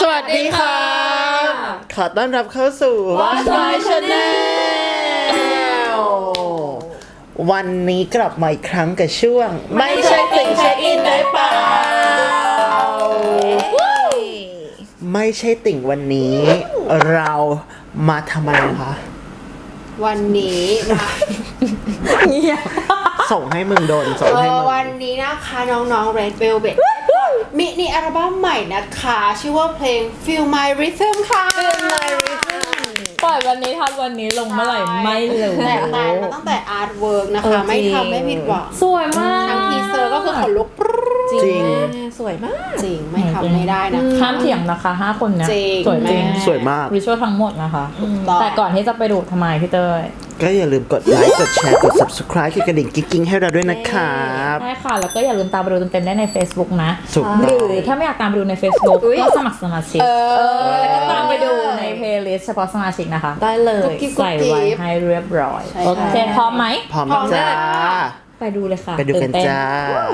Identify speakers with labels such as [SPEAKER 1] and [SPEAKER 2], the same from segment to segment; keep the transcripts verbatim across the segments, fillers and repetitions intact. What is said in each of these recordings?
[SPEAKER 1] สวัสดีค่ะขอต้อนรับเข้าสู่
[SPEAKER 2] Watch My Channel
[SPEAKER 1] วันนี้กลับมาอีกครั้งกับช่วงไม่ใช่ติ่งเช็คอินได้เปล่าไม่ใช่ติ่งวันนี้เรามาทำอะไรคะ
[SPEAKER 2] วันนี้นะ
[SPEAKER 1] ส่งให้มึงโดนส่ง
[SPEAKER 2] เอ
[SPEAKER 1] ให้
[SPEAKER 2] อ
[SPEAKER 1] มึง
[SPEAKER 2] วันนี้นะคะน้องๆ Red Velvet มินิอัลบั้มใหม่นะคะชื่อว่าเพลง Feel My Rhythm ค่ะ
[SPEAKER 3] Feel My Rhythm ปล่อยวันนี้ทำวันนี้ลงเมื่อไหร่ไม่รู้
[SPEAKER 2] แต่แต่มาตั้งแต่อาร์ตเวิร์กนะคะไม่ทำไม่ผิดหวัง
[SPEAKER 3] สวยมาก
[SPEAKER 2] ทั้งทีเซอร์ก็คือขนลุกปรึ๊ด
[SPEAKER 1] จริง
[SPEAKER 3] สวยมาก
[SPEAKER 2] จริงไม่ทำไม่ได้นะคะ
[SPEAKER 3] ห้ามเถียงนะคะห้าคนเนี้ย
[SPEAKER 2] จริง
[SPEAKER 3] สวยจริง
[SPEAKER 2] แม่
[SPEAKER 1] สวยมาก
[SPEAKER 3] วิชวลทั้งหมดนะคะ
[SPEAKER 2] ถูกต้อง
[SPEAKER 3] แต่ก่อนที่จะไปดูทำไมพี่เต้ย
[SPEAKER 1] ก็อย่าลืมกดไลค์กดแชร์กด subscribe กดกระดิ่งกิ๊งๆให้เราด้วยนะครับ
[SPEAKER 3] ใช่ค่ะ แล้วก็อย่าลืมตามไปดูเต็มๆได้ใน Facebook นะ
[SPEAKER 1] ถูก
[SPEAKER 3] ห
[SPEAKER 1] ต้
[SPEAKER 3] รือ อง ถ้าไม่อยากตามไปดูใน Facebook
[SPEAKER 2] อุ๊ย
[SPEAKER 3] ก็สมัครสมาชิก
[SPEAKER 2] เออ
[SPEAKER 3] แล้วก็ตามไปดูใน playlist เฉพาะสมาชิกนะคะ
[SPEAKER 4] ได้เลย
[SPEAKER 2] กุ๊กกิ๊บ
[SPEAKER 3] ใส่ไว้ให้เรียบร้อย
[SPEAKER 2] ใช่
[SPEAKER 3] โอเคพร้อมไหม
[SPEAKER 1] พร้อม
[SPEAKER 2] พร้อม
[SPEAKER 1] จ้า
[SPEAKER 3] ไปดูเลยค่ะ
[SPEAKER 1] ไปดูกัน
[SPEAKER 3] ตื่เต้
[SPEAKER 1] จ้า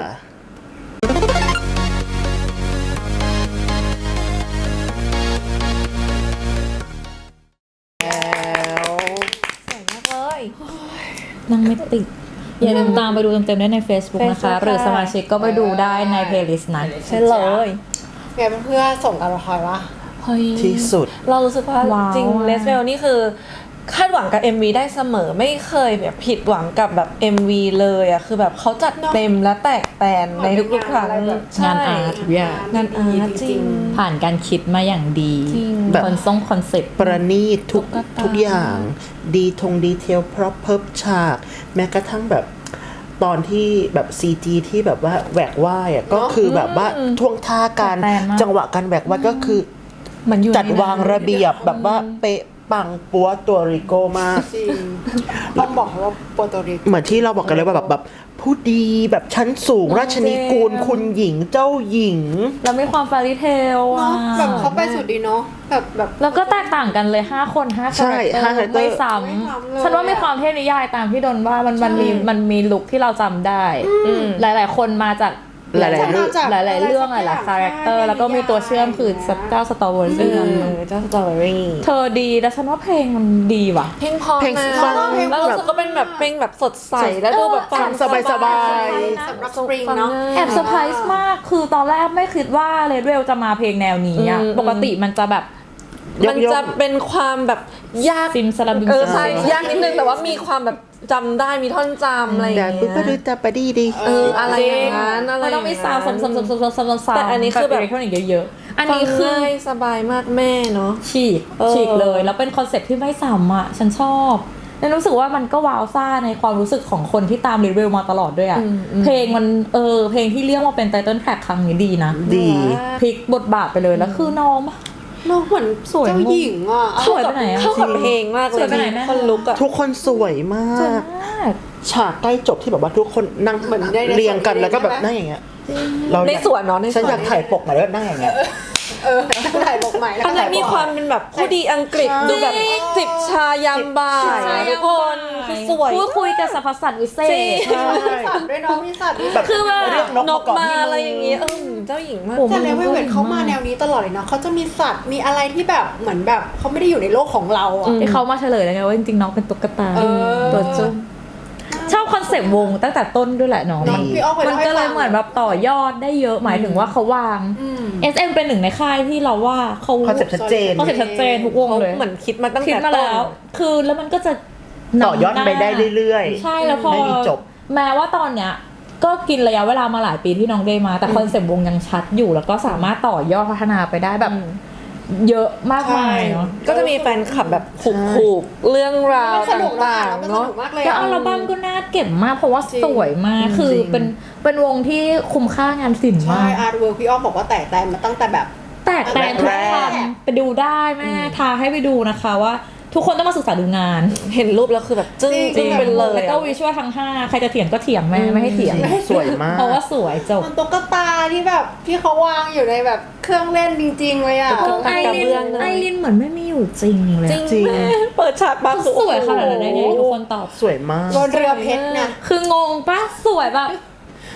[SPEAKER 3] นั่งไม่ติด อย่าลืมตามไปดูเต็มๆได้ใน Facebook นะคะ
[SPEAKER 4] Facebook
[SPEAKER 3] หรือสมาชิกก็ไปดูได้ใน playlist นั้น
[SPEAKER 4] ใช่เลย
[SPEAKER 2] ไงเพื่อนๆส่งกันละครวะ
[SPEAKER 4] เฮ้ย
[SPEAKER 1] ที่สุด
[SPEAKER 4] เรารู้สึกว่า
[SPEAKER 3] ว้าว
[SPEAKER 4] จริงเลสเวลนี่คือคาดหวังกับ เอ็ม วี ได้เสมอไม่เคยแบบผิดหวังกับแบบ เอ็ม วี เลยอะคือแบบเขาจัดเต็มและแตกแตนในทุกๆครั้ง
[SPEAKER 3] งานอาร์ตทุกอย่าง
[SPEAKER 4] งานอาร์ตจริง
[SPEAKER 3] ผ่านการคิดมาอย่างดี
[SPEAKER 4] จริง
[SPEAKER 1] แบบ
[SPEAKER 3] คอนทรงคอนเซ็ปต์
[SPEAKER 1] ประณีตทุก
[SPEAKER 4] ตุ๊กตา
[SPEAKER 1] ทุกอย่าง ดีทงดีเทลพร็อพเพิบฉาก แม้กระทั่งแบบตอนที่แบบ ซี จี ที่แบบว่าแหวกว่ายอ่ะก็คือแบบว่าท่วงท่าการ
[SPEAKER 3] จัดแตนมาก
[SPEAKER 1] จังหวะการแหวกว่ายก็คือ
[SPEAKER 4] มันอยู่
[SPEAKER 1] จัดวางระเบียบแบบว่าเป๊ะปังปัวตัวริโกมาก
[SPEAKER 2] จริงต้องบอกว่าโปรโตริโก
[SPEAKER 1] เหมือนที่เราบอกกันเลยว่าแบบแบบผู้ดีแบบชั้นสูงราชนิกูลคุณหญิงเจ้าหญิง
[SPEAKER 3] แล้วมีความฟาริเทล
[SPEAKER 2] เนาะ
[SPEAKER 3] อ่ะ
[SPEAKER 2] แบบเขาไปสุดดีเนาะแบบแบบ
[SPEAKER 3] แล้วก็แตกต่างกันเลย ห้า คนห้า
[SPEAKER 1] ใช่
[SPEAKER 3] คาแรคเตอ
[SPEAKER 1] ห้า
[SPEAKER 3] ร์
[SPEAKER 1] character
[SPEAKER 3] ไม่ซ้
[SPEAKER 2] ไม่ซ้ำเลย
[SPEAKER 3] ำฉันว่ามีความเทพนิยายตามที่โดนว่ามันมันมีมันมีลุคที่เราจำได้ หลาย ๆ คนมาจาก
[SPEAKER 1] หลายๆเรื่อง
[SPEAKER 3] หลาย ๆ เรื่องหลาย ๆ คาแรคเตอร์แล้วก็มีตัวเชื่อมคือเจ้าสตอเวอร์
[SPEAKER 4] เออเจ้าสตรอเบอรี่
[SPEAKER 3] เธอดีแล้วฉันว่าเพลงมันดีว่ะ
[SPEAKER 4] เพลงเพอ
[SPEAKER 1] เพลง
[SPEAKER 4] นะ
[SPEAKER 1] ฟัง
[SPEAKER 4] แล้วรู้สึกก็เป็นแบบเพลงแบบสดใสแล้วดูแบบ
[SPEAKER 1] ฟังสบายๆ
[SPEAKER 2] สำหรับสปริงเนาะ
[SPEAKER 3] แอบเซอร์ไพรส์มาก คือตอนแรกไม่คิดว่าเลดเวลจะมาเพลงแนวนี้อ่ะ ปกติมันจะแบบ
[SPEAKER 4] มันจะเป็นความแบบยาก
[SPEAKER 3] ซิมสลับบิม
[SPEAKER 4] เออ
[SPEAKER 3] สลับ
[SPEAKER 4] ใช่ยากนิดนึงแต่ว่ามีความแบบจำได้มีท่อนจำอะไรอย่าง
[SPEAKER 1] แต่
[SPEAKER 4] เงี้
[SPEAKER 1] ปุ๊บก็ดู
[SPEAKER 4] ย
[SPEAKER 1] ตาปะดีดี
[SPEAKER 4] เอออะไรอย่างนั้นอะไร
[SPEAKER 3] มันต้องมีซาวด์ซ้ำๆๆๆๆๆ
[SPEAKER 4] แต่อันนี้คือแบบ
[SPEAKER 3] อิเล็กทรอนิกส์เยอะๆ อัน
[SPEAKER 4] ฟัง
[SPEAKER 3] นี้คือ
[SPEAKER 4] ง่ายสบายมากแม่เนาะ
[SPEAKER 3] ฉีก
[SPEAKER 4] เออ
[SPEAKER 3] ฉีกเลย แล้วเป็นคอนเซ็ปต์ที่ไม่ซ้ำอ่ะ ฉันชอบแล้วรู้สึกว่ามันก็ว้าวซ่าในความรู้สึกของคนที่ตามรีวิวมาตลอดด้วยอ่ะ เพลงมันเออเพลงที่เรียกว่าเป็นไตเติ้ลแทร็กครั้งนี้ดีนะ
[SPEAKER 1] ดี
[SPEAKER 3] พลิกบทบาทไปเลยแล้วคือน้อง
[SPEAKER 2] น้องเหมือน
[SPEAKER 3] สวย
[SPEAKER 2] เจ้าหญิงอ่ะ
[SPEAKER 3] สวยไปไหนอะ
[SPEAKER 4] เข้ากับเพลงมากเล
[SPEAKER 3] สวย ยไปไหนแม่
[SPEAKER 4] คนลุกอะ
[SPEAKER 1] ทุกคนสวยมาก
[SPEAKER 3] มาก
[SPEAKER 1] ฉากใกล้จบที่แบบว่าทุกคนนั่ง
[SPEAKER 2] เหมือนได้ใน
[SPEAKER 1] เรียงกัน
[SPEAKER 2] สวน
[SPEAKER 1] แล้วก็แบบ
[SPEAKER 2] ใช่ไหม
[SPEAKER 1] นั่งอย่างเงี้ยเรา
[SPEAKER 4] ใน
[SPEAKER 1] อยาก
[SPEAKER 4] สวนเนาะในสวน
[SPEAKER 1] ฉันอยากถ่ายปกหน่อยแล้วนั่งอย่างเงี้ย
[SPEAKER 2] เออถ่ายบกใหม่แล้ว
[SPEAKER 4] อันนั้นมีความเป็นแบบผู้ดีอังกฤษดูแบบจิบชายามบ่ายอะทุกคนคือสวย
[SPEAKER 3] พูดคุยกับสรรพสัตว์วิเศ
[SPEAKER 4] จริ
[SPEAKER 3] ษ
[SPEAKER 4] ง
[SPEAKER 2] มีสัตว์ด้วยเนาะมีสัตว์ด้วย
[SPEAKER 1] แบบ
[SPEAKER 4] คือแบบ
[SPEAKER 1] เรียกนก
[SPEAKER 4] น
[SPEAKER 1] มาก ก่อน
[SPEAKER 4] มา
[SPEAKER 1] ที่
[SPEAKER 4] อะไรอย่างเงี้ยเออเจ้าหญิงมาก
[SPEAKER 3] โอ้
[SPEAKER 2] แต่เลเวลเวทเขามาแนวนี้ตลอดเลยเนาะเขาจะมีสัตว์มีอะไรที่แบบเหมือนแบบเขาไม่ได้อยู่ในโลกของเราอ่ะ
[SPEAKER 3] ที่เขามาเฉลยแล้วไงว่าจริงๆน้องเป็นตุ๊กตา
[SPEAKER 2] เออ
[SPEAKER 3] ตัวจุ้มชอบคอนเซปต์วงตั้งแต่ต้นด้วยแหละน้อง
[SPEAKER 2] น้องพี่อ้อเคย
[SPEAKER 3] มัน
[SPEAKER 2] เล่าให้
[SPEAKER 3] ก็เลย
[SPEAKER 2] ฟัง
[SPEAKER 3] เหมือนแบบต่อยอดได้เยอะหมายถึงว่าเขาวาง
[SPEAKER 2] อืม
[SPEAKER 3] เอส เอ็ม เป็นหนึ่งในค่ายที่เราว่าเขา
[SPEAKER 1] คอนเซ็ปต์ชัดเจน
[SPEAKER 3] คอนเซ็ปต์ชัดเจนทุกวง
[SPEAKER 4] เขา
[SPEAKER 3] เลย
[SPEAKER 4] เหมือนคิดมาตั้ง
[SPEAKER 3] คิด
[SPEAKER 4] แต่
[SPEAKER 3] มา
[SPEAKER 4] ต้น
[SPEAKER 3] แล้ว คือแล้วมันก็จะนำ
[SPEAKER 1] ต่อยอดไปได้เรื่อย
[SPEAKER 3] ใช่แล้วพอ
[SPEAKER 1] ไม่มีจบ
[SPEAKER 3] แม้ว่าตอนเนี้ยก็กินระยะเวลามาหลายปีที่น้องได้มา แต่คอนเซ็ปต์วงยังชัดอยู่แล้วก็สามารถต่อยอดพัฒนาไปได้แบบเยอะมากมายเนาะ
[SPEAKER 4] ก็จะมีแฟนคลับแบบผูกๆเรื่องราว
[SPEAKER 2] มันสนุก
[SPEAKER 4] ต่าง
[SPEAKER 2] มัน
[SPEAKER 4] ๆ
[SPEAKER 2] ส
[SPEAKER 4] เนาะ
[SPEAKER 2] นุกมากเลย
[SPEAKER 3] แล้ว
[SPEAKER 2] อะ
[SPEAKER 3] อัลบั้มก็น่าเก็บมากเพราะว่า
[SPEAKER 2] จริง
[SPEAKER 3] สวยมากคือ
[SPEAKER 1] จริง
[SPEAKER 3] เป็นเป็นวงที่คุ้มค่างานศิลป์
[SPEAKER 2] ใช่
[SPEAKER 3] มาก
[SPEAKER 2] อาร์ตเวิร์กพี่อ้อมบอกว่าแตกแต่มาตั้งแต่แบบ
[SPEAKER 3] แตกแต่ทุก
[SPEAKER 1] แรก
[SPEAKER 3] คำไปดูได้แม่ทาให้ไปดูนะคะว่า ทุกคนต้องมาศึกษาดูงาน
[SPEAKER 4] เห็นรูปแล้วคือแบบจึ้ง
[SPEAKER 2] จริ
[SPEAKER 4] จึ้
[SPEAKER 2] ง
[SPEAKER 4] งเป็นเลย
[SPEAKER 3] แล้วก็วิชวลทั้งห้าใครจะเถียงก็เถียงแม่ไม่ให้เถียง
[SPEAKER 1] สวยมาก
[SPEAKER 3] เพราะว่าสวยจบ
[SPEAKER 2] มันตุ๊กตาที่แบบที่เขาวางอยู่ในแบบเครื่องเล่นจริงๆเลยอ่ะ
[SPEAKER 4] ตุ๊กตา
[SPEAKER 3] ไอรินไอรินเหมือนไม่มีอยู่จริงเลย
[SPEAKER 4] จริ
[SPEAKER 3] อะ
[SPEAKER 4] ง
[SPEAKER 1] จริง
[SPEAKER 4] แม่เปิดฉากมาคือ
[SPEAKER 3] สวยขนาดนั้นได้ไงทุกคนตอบ
[SPEAKER 1] สวยมาก
[SPEAKER 2] บนเรือเพชรเนี่ย
[SPEAKER 3] คืองงปะสวยแบบ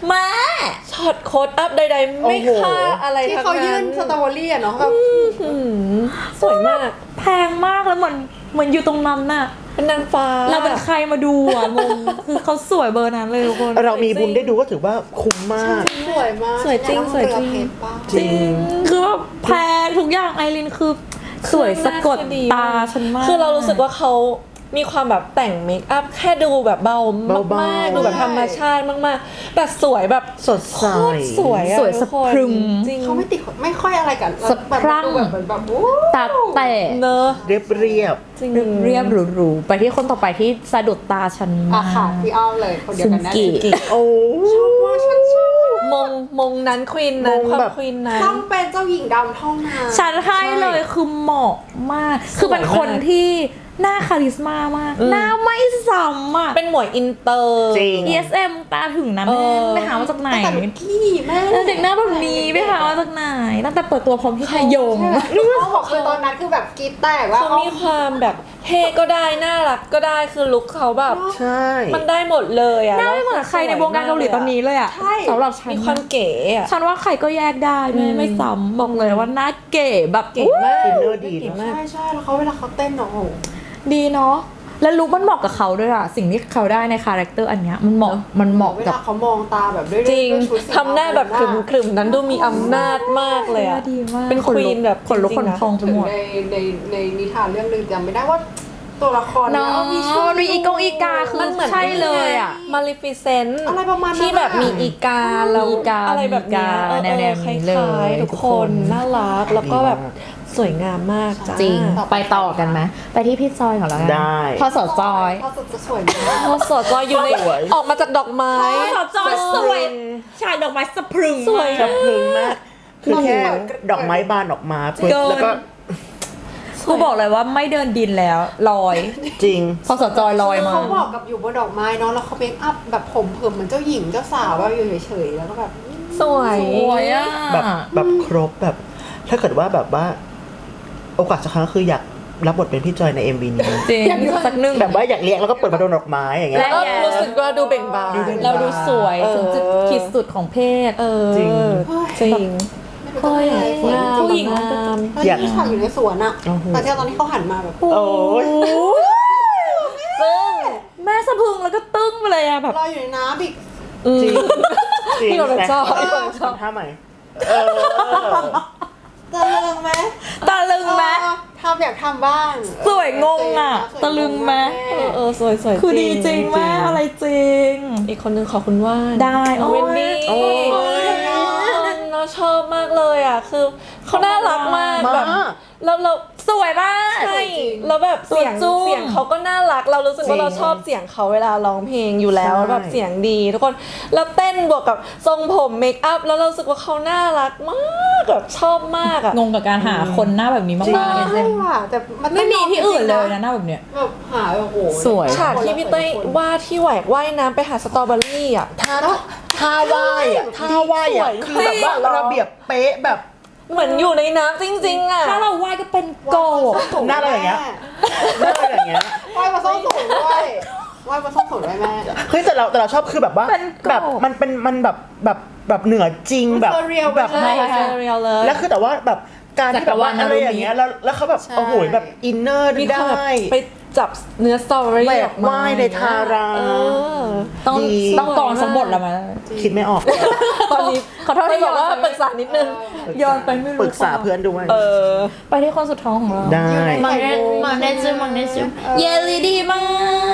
[SPEAKER 3] แม่
[SPEAKER 4] ช็อตโค้ดอัพใดๆ ไม่
[SPEAKER 1] โอ้โห
[SPEAKER 4] ค่าอะไร
[SPEAKER 2] ที่
[SPEAKER 4] ทั้ง
[SPEAKER 2] เขายื่
[SPEAKER 4] นั้น น
[SPEAKER 2] สตรอเบอรี่อะเนาะแบบ
[SPEAKER 4] อืมสวยมาก
[SPEAKER 3] แพงมากแล้วเหมือนเหมือนอยู่ตรงนั้นน่ะ
[SPEAKER 4] เป็นนางฟ้า
[SPEAKER 3] เราเป็นใครมาดูอ่ะงงคือเขาสวยเบอร์นั้นเลยทุกคน
[SPEAKER 1] เรามีบุญได้ดูก็ถือว่าคุ้มมาก
[SPEAKER 2] สวยมาก
[SPEAKER 4] สวยจริงสวยจริง
[SPEAKER 2] เพชรปะ
[SPEAKER 1] จริง
[SPEAKER 3] คือว่าแพงทุกอย่างไอรินคือสวยสะกดตาฉันมาก
[SPEAKER 4] คือเรารู้สึกว่าเขามีความแบบแต่งเมคอัพแค่ดูแบบเบา
[SPEAKER 1] เบาๆ
[SPEAKER 4] มากๆดูแบบธรรมชาติมากๆแต่สวยแบบ
[SPEAKER 1] สดใส
[SPEAKER 4] โคตรสวยอะ
[SPEAKER 3] สวย
[SPEAKER 4] ทุ
[SPEAKER 3] สะ
[SPEAKER 4] กคน
[SPEAKER 3] พรึง
[SPEAKER 4] จริง
[SPEAKER 2] เขาไม่ติดไม่ค่อยอะไรกัน
[SPEAKER 3] สะพรั่ง
[SPEAKER 2] แบบดูแบบเหมือนแบบโอ้
[SPEAKER 3] ตาแตะ
[SPEAKER 4] เนอะ
[SPEAKER 1] เรียบเรียบ
[SPEAKER 4] จริง
[SPEAKER 3] เรียบหรูๆไปที่คนต่อไปที่สะดุดตาฉัน
[SPEAKER 2] อา
[SPEAKER 3] มา
[SPEAKER 2] ค่ะพี่อ้อมเลยคนเดียว
[SPEAKER 3] ซุน
[SPEAKER 2] กันแน่
[SPEAKER 3] กิ
[SPEAKER 2] เลย
[SPEAKER 1] โอ้
[SPEAKER 2] ชอบว่าฉันชอบ
[SPEAKER 4] มงมงนั้นควีนนั้น
[SPEAKER 1] มง
[SPEAKER 4] ความ
[SPEAKER 1] แบบ
[SPEAKER 4] ควีนนั้น
[SPEAKER 2] ต้องเป็นเจ้าหญิงดำเท่านั้น
[SPEAKER 3] ฉันให้เลยคือเหมาะมาก คือเป็นคนที่หน้าคาริสมามาก หน้าไม่ซ้ำอ่ะ
[SPEAKER 4] เป็นหมวยอินเตอร์
[SPEAKER 1] จริง
[SPEAKER 3] เอ เอส เอ็ม ตาถึงนะ
[SPEAKER 4] เอ
[SPEAKER 3] แม่
[SPEAKER 4] อ
[SPEAKER 3] ไปหามาจากไหน
[SPEAKER 2] แต่ลูกกี้แม่
[SPEAKER 3] แล้วเด็กหน้าแบบนี้ไปหามาจากไหนตั้งแต่เปิดตัวพร้อมพี่ชายยง
[SPEAKER 2] เขาบอกคือตอนนั้นคือแบบกรีดแตกว่า
[SPEAKER 4] เขามีความแบบเท่ก็ได้น่ารักก็ได้คือลุคเขาแบบ
[SPEAKER 1] ใช่
[SPEAKER 4] มันได้หมดเลยอะ
[SPEAKER 3] หน้าไม่เหมือนใครในวงการเกาหลีตอนนี้เลยอ่ะสำหรับฉัน
[SPEAKER 4] มีความเก๋อะ
[SPEAKER 3] ฉันว่าใครก็แยกได้ไม่ไม่ซ้ำบอกเลยว่าหน้าเก๋แบบ
[SPEAKER 4] เก๋มาก
[SPEAKER 1] อินเนอร์ดี
[SPEAKER 4] เก๋
[SPEAKER 1] นะ
[SPEAKER 4] มาก
[SPEAKER 2] ใช่ใช่แล้วเขาเวลาเขาเต้นเนาะโอ้โห
[SPEAKER 3] ดีเนาะแล้วลุคมันเหมาะกับเขาด้วยอะสิ่งที่เขาได้ในคาแรคเตอร์อันเนี้ยมันเหมาะมันเหมาะ
[SPEAKER 2] เว
[SPEAKER 3] กับ
[SPEAKER 2] ลาเขามองตาแบบด้วย
[SPEAKER 4] จริง
[SPEAKER 2] ด้วยชุดสี
[SPEAKER 4] ทำหน้าแบบขรึมขรึมๆนั้นดูมีอำนาจมากเลยอะ
[SPEAKER 3] ดีมาก
[SPEAKER 4] เป็นควีนแบบ
[SPEAKER 3] ขนลุก
[SPEAKER 4] จ
[SPEAKER 3] ข
[SPEAKER 4] ริ
[SPEAKER 3] น
[SPEAKER 4] งๆนะ
[SPEAKER 3] พองไป
[SPEAKER 2] ถึง
[SPEAKER 3] หมด
[SPEAKER 2] ในในในนิทานเรื่องหนึ่งจำไม่ได้ว่าตัวละคร
[SPEAKER 3] เนาะ
[SPEAKER 2] ยมีชื่อ
[SPEAKER 3] มีอีกงอีกาคือ
[SPEAKER 4] มันเหมือน
[SPEAKER 3] ใช่เลยอะ
[SPEAKER 4] มาริฟิเซนต์
[SPEAKER 2] อะไรประมาณนั้น
[SPEAKER 4] ที่แบบมีอีกาแล้ว
[SPEAKER 3] อีกา
[SPEAKER 4] อะไรแบบเนี้ย
[SPEAKER 3] มีอีกา
[SPEAKER 4] เออ
[SPEAKER 3] แนวๆ
[SPEAKER 4] ค
[SPEAKER 3] นี้
[SPEAKER 4] ล้
[SPEAKER 3] เลย
[SPEAKER 4] ายๆทุก
[SPEAKER 3] ทุก
[SPEAKER 4] ค
[SPEAKER 3] คน น
[SPEAKER 4] น่ารักแล้วก็แบบสวยงามมากจ้า
[SPEAKER 3] จริงไปต่อกันไหมไปที่พี่จอยก่อนแล้วกัน
[SPEAKER 1] ได้
[SPEAKER 3] พอสอจอย
[SPEAKER 2] เขาจะจะสวยมาก
[SPEAKER 4] พอสอจอยอยู่ใน
[SPEAKER 1] สวย
[SPEAKER 4] ออกมาจากดอกไม้
[SPEAKER 3] พอสอจอยสวยฉากดอกไม้สะพรึง
[SPEAKER 4] สวย
[SPEAKER 1] จะพึงมาก คือแค่ดอกไม้บานออกมาปุ๊บ
[SPEAKER 3] เกิน
[SPEAKER 1] แล้วก็
[SPEAKER 3] กูบอกเลยว่าไม่เดินดินแล้วลอย
[SPEAKER 1] จริง
[SPEAKER 3] พอสอจอยลอยมา
[SPEAKER 2] เขาบอกกับอยู่บนดอกไม้เนาะแล้วเขาเมคอัพแบบผมเผิมเหมือนเจ้าหญิงเจ้าสาวว่าอยู่เฉยๆแล้วก็แบบ
[SPEAKER 4] สวย
[SPEAKER 3] สวยอ่ะ
[SPEAKER 1] แบบแบบครบแบบ ถ้าเกิดว่าแบบว่า โอกาสสักครั้งคืออยากรับบทเป็นพี่จอยใน เอ็ม วี นี้
[SPEAKER 3] จริงสักหนึ่ง
[SPEAKER 1] แบบว่าอยากเลี้ยงแล้วก็เปิดมาโดนดอกไม้อย่างเงี้
[SPEAKER 3] และ
[SPEAKER 1] ย
[SPEAKER 4] ก็รู้สึกว่าดูเบ่งบาน
[SPEAKER 1] ดูเบ่งบาน
[SPEAKER 3] เราดูสวย
[SPEAKER 4] เออ
[SPEAKER 3] ถึงจุดขีดสุดของเพศ
[SPEAKER 4] เออ
[SPEAKER 1] จริง
[SPEAKER 4] จริง
[SPEAKER 3] เฮ้ย
[SPEAKER 4] งาม
[SPEAKER 3] ผู้หญิง
[SPEAKER 4] งาม
[SPEAKER 2] ตอนที่ฉากอยู่ในสวนอะ
[SPEAKER 1] โอ้โห
[SPEAKER 2] แต่ที่ตอนที่เขาหันมาแบบ
[SPEAKER 1] โอ้ย
[SPEAKER 3] ซึ่งแม่สะพรึงแล้วก็ตึ้งไปเลยอะแบบ
[SPEAKER 2] ลอยอยู่ในน้ำอีก
[SPEAKER 1] จริงจริง
[SPEAKER 4] พี่คนชอบ
[SPEAKER 1] แต่
[SPEAKER 4] พี่คนชอบ
[SPEAKER 1] ทำท่าใหม่เออ
[SPEAKER 2] ตะลึงไหม
[SPEAKER 3] ตะลึงไหม
[SPEAKER 2] เออทำอยากทำบ้าง
[SPEAKER 3] สวยงงอะ
[SPEAKER 2] สวย
[SPEAKER 3] ตะลึงไหม
[SPEAKER 4] เออเออสวยสวย
[SPEAKER 3] คือดีจริงแม่อะไรจริง
[SPEAKER 4] อีกคนนึงขอคุณว่าน
[SPEAKER 3] ได้โอ้ย
[SPEAKER 4] เวนดี้
[SPEAKER 1] โอ้ย
[SPEAKER 4] เราชอบมากเลยอ่ะ คือเขาน่ารักมาก
[SPEAKER 1] มา
[SPEAKER 4] แบบเราเรา
[SPEAKER 3] สวยมาก
[SPEAKER 4] ใช่แล้วแบบเสียง
[SPEAKER 3] ตัวจุ้ง
[SPEAKER 4] เสียงเขาก็น่ารัก เรารู้สึกว่า
[SPEAKER 1] จริง
[SPEAKER 4] เราชอบเสียงเขาเวลาร้องเพลงอยู่แล้ว
[SPEAKER 1] ใช่
[SPEAKER 4] แบบเสียงดีทุกคนแล้วเต้นบวกกับทรงผมเมคอัพแล้วเรารู้สึกว่าเขาน่ารักมากแบบชอบมากอ่ะ
[SPEAKER 3] งงกับการหาคนหน้าแบบนี้มากๆเลย
[SPEAKER 2] ใช่ว่ะแต่มัน
[SPEAKER 3] ไม่มีที่อื่นเลยนะหน้าแบบเนี้ย
[SPEAKER 2] แบบหาโอ้โห
[SPEAKER 3] สวย
[SPEAKER 4] ฉากที่พี่เต้ยว่าที่แหวกว่ายน้ำไปหาสตรอเบอรี่อ่ะ
[SPEAKER 1] ท่าท่าว่ายอ่ะท่าว่ายอ่ะ
[SPEAKER 4] สวย
[SPEAKER 1] คือแบบว่าระเบียบเป๊ะแบบ
[SPEAKER 4] เหมือนอยู่ในน้ำจริงๆอ่ะ
[SPEAKER 3] ถ้าเราไหว้ก็เป็นโกบ
[SPEAKER 1] หน้าเราอย่างเงี้ย หน้าอย่างเงี้ย
[SPEAKER 2] ไหว้มาส้มสูงด้วยไหว้มาส้มสูงด้วยแม่
[SPEAKER 1] เฮ้ยแต่เราแต่เราชอบคือแบบว่า
[SPEAKER 3] เป็นกรอบ
[SPEAKER 1] แบบมันเป็นมันแบบแบบแบบเหนือจริงแบบ
[SPEAKER 2] surreal
[SPEAKER 1] แบบ
[SPEAKER 2] ไป
[SPEAKER 4] ใช่ใช่เรียลเลย
[SPEAKER 1] แล้วคือแต่ว่าแบบการที่แบบว่าอะไรอย่างเงี้ยแล้วแล้วเขาแบบ
[SPEAKER 2] ใช่
[SPEAKER 1] โอ้โหแบบอินเนอร์
[SPEAKER 4] มีความแบบ
[SPEAKER 1] ได้
[SPEAKER 4] ไปจับเนื้อสตรอเบอรี่
[SPEAKER 1] แหว
[SPEAKER 4] อก อกมา
[SPEAKER 1] ว่ายในทารา
[SPEAKER 4] เออ
[SPEAKER 3] ต้อง
[SPEAKER 1] ดี
[SPEAKER 3] ต้องกรองสมบทแล้วมั้ย
[SPEAKER 1] คิดไม่ออก
[SPEAKER 4] ตอนนี้
[SPEAKER 3] ขอโทษที่
[SPEAKER 4] ไม่บอกว่า
[SPEAKER 3] ย้อนไป
[SPEAKER 4] ปรึกษานิดนึง
[SPEAKER 3] ย้อนไปไม่รู้
[SPEAKER 1] ปรึกษาเพื่อนด้วย
[SPEAKER 4] เออ
[SPEAKER 3] ไปที่คนสุดท้องของเรา
[SPEAKER 1] ได้
[SPEAKER 3] มาเนมาเนซึมาเนซึเยลลี่ดีมาก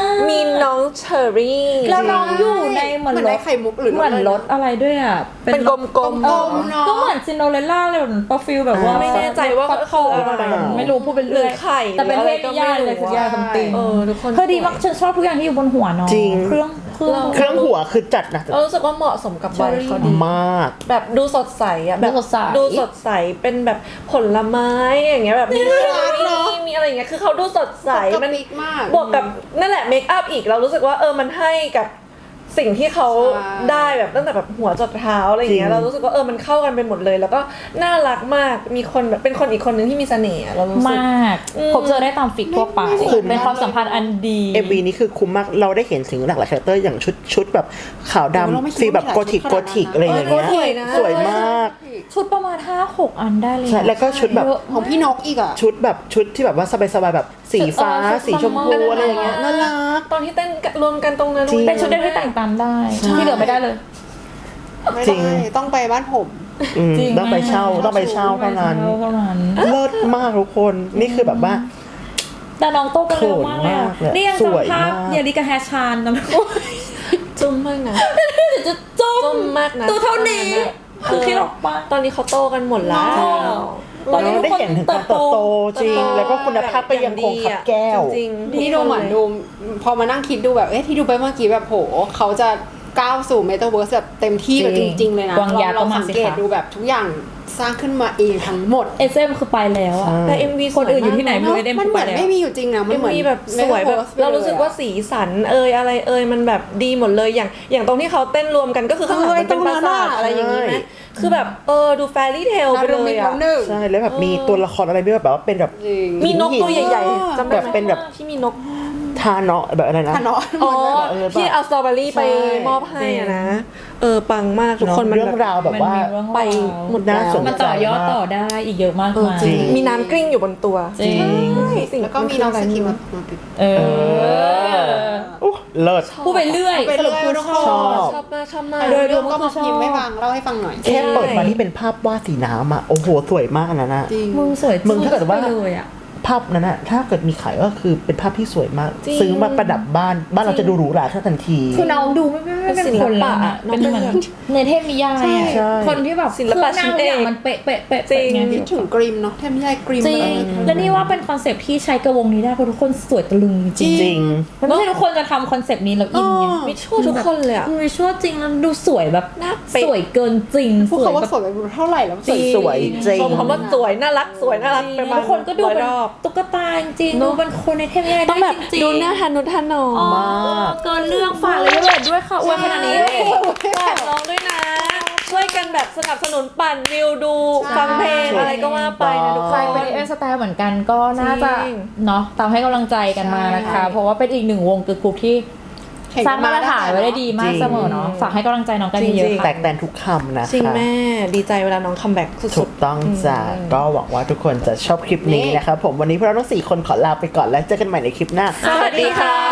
[SPEAKER 4] มีน้องเชอรี่
[SPEAKER 3] แล้วน้องอยู่ในเหมือน
[SPEAKER 2] เหมือน
[SPEAKER 3] ร
[SPEAKER 2] ได้
[SPEAKER 3] ถ
[SPEAKER 2] ไข่มุกหรือ
[SPEAKER 3] เหมือนรถอะไรด้วยอ่ะ
[SPEAKER 4] เป็นกลมๆ
[SPEAKER 2] กลมๆเนาะ
[SPEAKER 3] ก็เหมือนซินโดเรลล่าเลยเหมือนประฟิลแบบว่า
[SPEAKER 4] ไม่แน่ใจว่า
[SPEAKER 3] ฟักทอง
[SPEAKER 4] คืออะไร
[SPEAKER 3] ไม่รู้พูดเป็น
[SPEAKER 4] หรื
[SPEAKER 3] เรื่
[SPEAKER 4] อ
[SPEAKER 3] อย
[SPEAKER 4] ไข่
[SPEAKER 3] แต่เป็น
[SPEAKER 4] หรือ
[SPEAKER 3] เท
[SPEAKER 4] อะไร
[SPEAKER 3] พ
[SPEAKER 4] ก็
[SPEAKER 3] นิยาย
[SPEAKER 4] ไม่รู้
[SPEAKER 3] เลยสักอย่างซัมติง
[SPEAKER 4] เออทุกคน
[SPEAKER 3] เธอดีมากฉันชอบทุกอย่างที่อยู่บนหัวน้อง
[SPEAKER 1] จริง
[SPEAKER 3] เครื่องเครื่อง
[SPEAKER 1] เครื่องหัวคือจัดนะ
[SPEAKER 4] เรารู้สึกว่าเหมาะสมกับวัยเขาดี
[SPEAKER 1] มาก
[SPEAKER 4] แบบดูสดใสอ่ะแบบ
[SPEAKER 3] ดูสดใส
[SPEAKER 4] ดูสดใสเป็นแบบผลไม้อย่างเงี้ยแบบมีเชอรี่มีอะไรอย่างเงี้ยคือเขาดูสดใส
[SPEAKER 2] มั
[SPEAKER 4] มัน น
[SPEAKER 2] มิกมาก
[SPEAKER 4] บวกกับนั่นแหละเมคอัพอีกเรารู้สึกว่าเออมันให้กับสิ่งที่เขา
[SPEAKER 2] ใช่
[SPEAKER 4] ได้แบบตั้งแต่แบบหัวจดเท้าอะไรอย่างเงี้
[SPEAKER 1] จริ
[SPEAKER 4] ย
[SPEAKER 1] ง
[SPEAKER 4] เรารู้สึกว่าเออมันเข้ากันไปหมดเลย แล้วก็น่ารักมากมีคนแบบเป็นคนอีกคนนึงที่มีเสน่ห์อะเรารู้สึก
[SPEAKER 3] มากพบเจอได้ตามฟิกทั่วไป
[SPEAKER 2] ไม่คุ้ม
[SPEAKER 3] เป็นความสัมพันธ์อันดี
[SPEAKER 1] เอ็มวีนี้คือคุ้มมากเราได้เห็นถึงหลากหลายคาแรคเตอร์อย่างชุดชุดแบบขาว
[SPEAKER 2] เราไม่คิด
[SPEAKER 1] ดำฟีลแบบ
[SPEAKER 2] ว่า
[SPEAKER 1] โก
[SPEAKER 2] มี
[SPEAKER 1] ธิก
[SPEAKER 2] หลายชุด
[SPEAKER 1] โกธิก
[SPEAKER 2] ขนาดนั้น
[SPEAKER 1] อะไรอย่างเงี้ย
[SPEAKER 4] เออสวยนะ
[SPEAKER 1] สวยมาก
[SPEAKER 3] ชุดประมาณ ห้าหก อันได้เลย
[SPEAKER 1] ใช่แล้วก็ชุดแบบ
[SPEAKER 3] เยอะ
[SPEAKER 2] ของพี่นกอีกอ่ะ
[SPEAKER 1] ชุดแบบชุดที่แบบว่าสบายๆแบบสีฟ้า
[SPEAKER 3] เออชุด
[SPEAKER 1] สีชมพู
[SPEAKER 3] ซัมเมอร์
[SPEAKER 1] อะไรอย่างเงี้ยน่ารัก
[SPEAKER 4] ตอนที่เต้นรวมกันตรงนั้น
[SPEAKER 1] จริง
[SPEAKER 3] เป็นชุดเดียวที่แต่งตามได้ ที่เหลือไม่ได้เลย
[SPEAKER 2] ไม่
[SPEAKER 1] จริง
[SPEAKER 2] ได้ต้องไปบ้านผม
[SPEAKER 1] อืม
[SPEAKER 3] จริง
[SPEAKER 1] ต้องไปเช่าต้องไปเช่าเท่านั้น
[SPEAKER 3] เท่านั้น
[SPEAKER 1] เลิศมากทุกคนนี่คือแบบว่า
[SPEAKER 3] แต่น้องโตกันเร็วมากเลยอะ
[SPEAKER 1] เขินมากเลย
[SPEAKER 3] นี่ยัง
[SPEAKER 1] สวย
[SPEAKER 3] จำภาพ
[SPEAKER 1] มาก
[SPEAKER 3] เยลิกาแฮชานนะ
[SPEAKER 4] จุ้มมากนะ
[SPEAKER 3] จะจุ้
[SPEAKER 4] จุ้
[SPEAKER 3] ม
[SPEAKER 4] มมากนะ
[SPEAKER 3] ตัวเท่านี้ คือคิดออกปะ
[SPEAKER 4] ตอนนี้เขาโตกันหมดแล้ว
[SPEAKER 3] ตอนนี้
[SPEAKER 1] เราได้เห็นถึงการเติบโตจริง แล้วก็คุณภาพก็ยังคงขับแก้ว
[SPEAKER 4] จริงๆ
[SPEAKER 2] นี่ดูเหมือนดูพอมานั่งคิดดูแบบเอ๊ะที่ดูไปเมื่อกี้แบบโหเขาจะก้าวสู่เมตาเวิร์สแบบเต็มที่แบบ
[SPEAKER 3] จ
[SPEAKER 2] จ
[SPEAKER 3] ริง
[SPEAKER 2] ริง ๆ เลยนะ
[SPEAKER 3] วางยา
[SPEAKER 2] เรา
[SPEAKER 3] ก็มา
[SPEAKER 2] สัง
[SPEAKER 3] สิ
[SPEAKER 2] เกต
[SPEAKER 3] คะ
[SPEAKER 2] ดูแบบทุกอย่างสร้างขึ้นมาเองทั้งหมด
[SPEAKER 3] เอสเอ็มคือไปแล้วอะ
[SPEAKER 1] ใช่
[SPEAKER 4] แต่ เอ็ม วี
[SPEAKER 3] คนอื่นอยู่ที่ไหนไม่รู้
[SPEAKER 2] เนอะ
[SPEAKER 3] เอ็ม
[SPEAKER 2] มัน
[SPEAKER 3] คือ
[SPEAKER 2] เห
[SPEAKER 3] ไป
[SPEAKER 2] มือน
[SPEAKER 3] แล้ว
[SPEAKER 2] ไม่มีอยู่จริงนะมันเหมือน
[SPEAKER 4] มีแบบสวยแบบ
[SPEAKER 2] Metaverse ไปลยอะ
[SPEAKER 4] เรารู้สึกว่าสีสันเอยอะไรเอยมันแบบดีหมดเลยอย่างอย่างตรงที่เขาเต้นรวมกันก็คือข้างหลัง
[SPEAKER 2] เออ
[SPEAKER 4] มันเป็นปราสาท
[SPEAKER 2] ตรงนั้นอะ
[SPEAKER 4] อะไรอย่างนี้ไหม
[SPEAKER 1] ใช่
[SPEAKER 4] คือแบบเออดูแฟรี่เทลไปเล
[SPEAKER 2] นารุมิ
[SPEAKER 4] ย
[SPEAKER 2] ต
[SPEAKER 4] อะ
[SPEAKER 2] แล้วหนึ่ง
[SPEAKER 1] ใช่แล้วแบบมีตัวละครอะไรด้วยแบบว่าเป็นแบบ
[SPEAKER 2] จริง
[SPEAKER 4] มีนกตัวใหญ่
[SPEAKER 2] เออ
[SPEAKER 4] ๆจำได้
[SPEAKER 1] แบบ
[SPEAKER 4] ไหม
[SPEAKER 1] เป็นแบบ
[SPEAKER 4] ที่มีนก
[SPEAKER 1] ทาเนาะแบบอะไรนะ
[SPEAKER 2] ทะเนาะ
[SPEAKER 4] อ๋อ
[SPEAKER 1] เออ
[SPEAKER 4] ที่เอาสตรอเบอรี่ไป
[SPEAKER 1] ใช่
[SPEAKER 4] มอบให้อะนะเออปังมากทุกคนมัน
[SPEAKER 1] เรื่อง
[SPEAKER 4] แบบ
[SPEAKER 1] ราวแบบว่า
[SPEAKER 3] มันมีเรื่องราว
[SPEAKER 4] ไปหมด
[SPEAKER 1] น่า
[SPEAKER 4] แล้ว
[SPEAKER 1] สนใจ
[SPEAKER 3] มันต่อยอดต่อได้อีกเยอะมาก
[SPEAKER 4] เออ
[SPEAKER 3] มาย
[SPEAKER 4] จริง
[SPEAKER 1] จริง
[SPEAKER 4] มีน้ำกลิ้งอยู่บนตัว
[SPEAKER 3] จริง
[SPEAKER 4] ใช่สิ่ง
[SPEAKER 2] แล้วก็มีน้องสกิมมามาปิด
[SPEAKER 3] เออ
[SPEAKER 1] อุ๊ยเลิศ
[SPEAKER 3] พูดไปเรื่อย
[SPEAKER 2] พูดไป
[SPEAKER 3] สรุปคือ
[SPEAKER 2] เรื่อย
[SPEAKER 3] ชอบ
[SPEAKER 1] ชอบ
[SPEAKER 4] ชอบมากชอบมาก
[SPEAKER 3] โดยรว
[SPEAKER 2] เรื่อ
[SPEAKER 3] ม
[SPEAKER 2] งก็มาพิมพ์ให้ฟังเล่าให้ฟังหน่อย
[SPEAKER 1] แค่เปิดมาที่เป็นภาพวาดสีน้ำอ่ะโอ้โหสวยมากอันนั้นนะ
[SPEAKER 2] จริง
[SPEAKER 3] มึงสวย
[SPEAKER 1] มึงถ้าเกิดว่า
[SPEAKER 3] ไปเลยอะ
[SPEAKER 1] ภาพนั้นอะถ้าเกิดมีขายก็คือเป็นภาพที่สวยมาก
[SPEAKER 4] จริง
[SPEAKER 1] ซื้อมาประดับบ้านบ้านเราจะดูหรูหราขึ้นทันที
[SPEAKER 3] คือน้องดูไม่ไม่ไม่เป็นคนแล้วอะ
[SPEAKER 4] เป็นศิลปะ
[SPEAKER 3] เป็นเหมือน
[SPEAKER 4] น้องเป็น
[SPEAKER 3] ในเทพนิยาย
[SPEAKER 1] ใช่
[SPEAKER 3] อะ
[SPEAKER 1] ใช่
[SPEAKER 3] คนที่แบบ
[SPEAKER 4] ศิลปะ
[SPEAKER 3] เครื่องหน้าทุกอย่าง
[SPEAKER 4] ชิ้นเอก
[SPEAKER 3] มันเป๊ะเป๊ะเป๊ะ
[SPEAKER 4] จริง
[SPEAKER 3] เป๊ะไ
[SPEAKER 2] คิดถึงกริมเนาะเทพนิยายกริม
[SPEAKER 3] จริง
[SPEAKER 2] เออ
[SPEAKER 3] และนี่ว่าเป็นคอนเซปต์ที่ใช้กระวงนี้ได้เพราะทุกคนสวยตะลึงจริง
[SPEAKER 1] จริง
[SPEAKER 3] มันไม่ใช่ทุกคนจะทำคอนเซปต์นี้แล้วอินไง
[SPEAKER 2] อ๋อ
[SPEAKER 4] มิชวลทุกคนเลยอะ
[SPEAKER 3] มันวิชวลจริงแล้วดูสวยแบบ
[SPEAKER 4] หน้าเป๊ะ
[SPEAKER 3] สวยเกินจริง
[SPEAKER 2] พวก
[SPEAKER 3] สวย
[SPEAKER 2] เขาว่า
[SPEAKER 3] แบบ
[SPEAKER 2] สวยไปเท่าไหร่แล้ว
[SPEAKER 1] จริงสวยจริง
[SPEAKER 4] ชมคำว่าสวยน่ารักสวยน่ารักไปมา
[SPEAKER 3] ทุกคนก็ดู
[SPEAKER 4] ร้อย
[SPEAKER 3] เป็น
[SPEAKER 4] รอบ
[SPEAKER 3] ตุ๊กตาจริงๆ
[SPEAKER 4] เน
[SPEAKER 3] ดู
[SPEAKER 4] อะ
[SPEAKER 3] เป็นคนในเทพนิยาย
[SPEAKER 4] ต้องแบบ
[SPEAKER 3] จริงๆ
[SPEAKER 4] ดูหน้าทานุทานอ
[SPEAKER 3] อ๋อ
[SPEAKER 1] มาก
[SPEAKER 3] เกินเรื่องฝากเลยด้วยด้วยค่ะอวยขนาดนี้
[SPEAKER 4] ฝากน้องด้วยนะ ช่วยกันแบบสนับสนุนปั่นวิวดู
[SPEAKER 2] ใช่
[SPEAKER 4] ฟังเพลงอะไรก็ว่าไปนะทุก
[SPEAKER 3] ใค
[SPEAKER 4] ค
[SPEAKER 3] ร
[SPEAKER 4] น
[SPEAKER 3] เป็นเอสแตร์เหมือนกันก็น่าจะ
[SPEAKER 4] จริง
[SPEAKER 3] เนาะตามให้กำลังใจกันมานะคะ เพราะว่าเป็นอีกหนึ่งวงเกิร์ลกรุ๊ปที่
[SPEAKER 2] เห็น
[SPEAKER 3] สร้างมาตรฐานไว้ได้ดีมาก
[SPEAKER 1] จริง
[SPEAKER 3] เสมอเนาะฝากให้กำลังใจน้องกัน
[SPEAKER 4] จริง
[SPEAKER 3] เยอะ
[SPEAKER 4] ๆ
[SPEAKER 3] ๆ
[SPEAKER 1] แต
[SPEAKER 3] ค่ะ
[SPEAKER 1] กแตนทุกคำนะ
[SPEAKER 4] จริง
[SPEAKER 1] คะ
[SPEAKER 4] แม่ดีใจเวลาน้องคัมแบ็กสุ
[SPEAKER 1] ถู
[SPEAKER 4] ด
[SPEAKER 1] กต้องจ้ะก็หวังว่าทุกคนจะชอบคลิปนี้นะครับผมวันนี้พวกเราทั้งสี่คนขอลาไปก่อนแล้วเจอกันใหม่ในคลิปหน้า
[SPEAKER 4] ๆ สวัสดีค่ะ